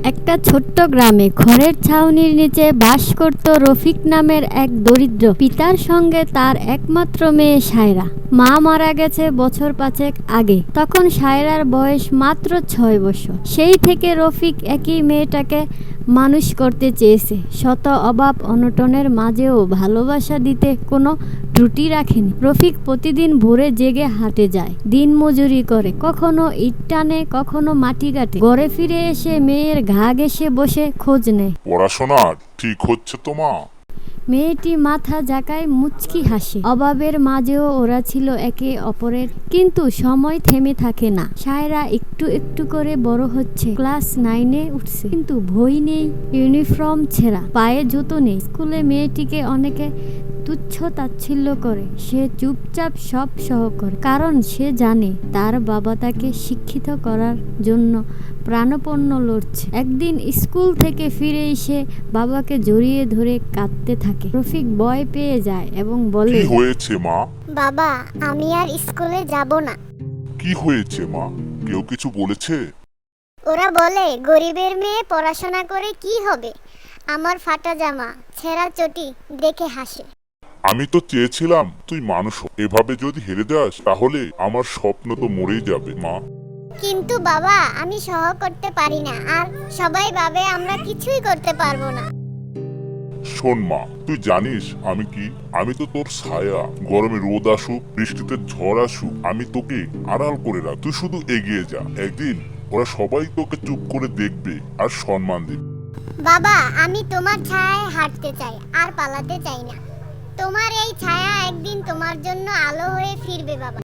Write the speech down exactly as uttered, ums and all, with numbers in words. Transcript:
একটা ছোট্ট গ্রামে খড়ের ছাউনির নিচে বাস করত রফিক নামের এক দরিদ্র পিতার সঙ্গে তার একমাত্র মেয়ে সায়রা। মা মারা গেছে বছর পাঁচেক আগে। তখন সায়রার বয়স মাত্র ছয় বছর। সেই থেকে রফিক একই মেয়েটাকে মানুষ করতে চেয়েছে। শত অভাব অনটনের মাঝেও ভালোবাসা দিতে কোনো ত্রুটি রাখেনি। রফিক প্রতিদিন ভোরে জেগে হাটে যায়, দিন মজুরি করে, কখনো ইট টানে, কখনো মাটি কাটে। ঘরে ফিরে এসে মেয়ের ঘা ঘেঁষে বসে খোঁজ নেয়। পড়াশোনা ঠিক হচ্ছে তো মা? মেয়েটি মাথা ঝাঁকায়, মুচকি হাসে। অভাবের মাঝেও ওরা ছিল একে অপরের, কিন্তু সময় থেমে থাকে না। সায়রা একটু একটু করে বড় হচ্ছে, ক্লাস নাইনে উঠছে, কিন্তু বই নেই, ইউনিফর্ম ছেঁড়া, পায়ে জুতো নেই। স্কুলে মেয়েটিকে অনেকে তুচ্ছ তাচ্ছিল্য করে। সে চুপচাপ সব সহ করে, কারণ সে জানে তার বাবা তাকে শিক্ষিত করার জন্য প্রাণপণ লড়ছে। একদিন স্কুল থেকে ফিরে এসে বাবাকে জড়িয়ে ধরে কাঁদতে থাকে। রফিক ভয় পেয়ে যায় এবং বলে, কি হয়েছে মা? বাবা, আমি আর স্কুলে যাব না। কি হয়েছে মা? কেউ কিছু বলেছে? ওরা বলে গরিবের মেয়ে পড়াশোনা করে কি হবে। আমার ফাটা জামা, ছেঁড়া চটি দেখে হাসে। আমি তো চেয়েছিলাম তুই মানুষ হ। এভাবে যদি হেরে যাস তাহলে আমার স্বপ্ন তো মরেই যাবে মা। কিন্তু বাবা, আমি সহ করতে পারি না, আর সবাই ভাবে আমরা কিছুই করতে পারবো না। শোন মা, তুই জানিস আমি কি? আমি তো তোর ছায়া। গরমে রোদ আসুক, বৃষ্টিতে ঝড় আসুক, আমি তোকে আড়াল করে রাখ। তুই শুধু এগিয়ে যা। একদিন ওরা সবাই তোকে চুপ করে দেখবে আর সম্মান দেবে। বাবা, আমি তোমার ছায়ায় হাঁটতে চাই, আর পালাতে চাই না। তোমার এই ছায়া একদিন তোমার জন্য আলো হয়ে ফিরবে বাবা।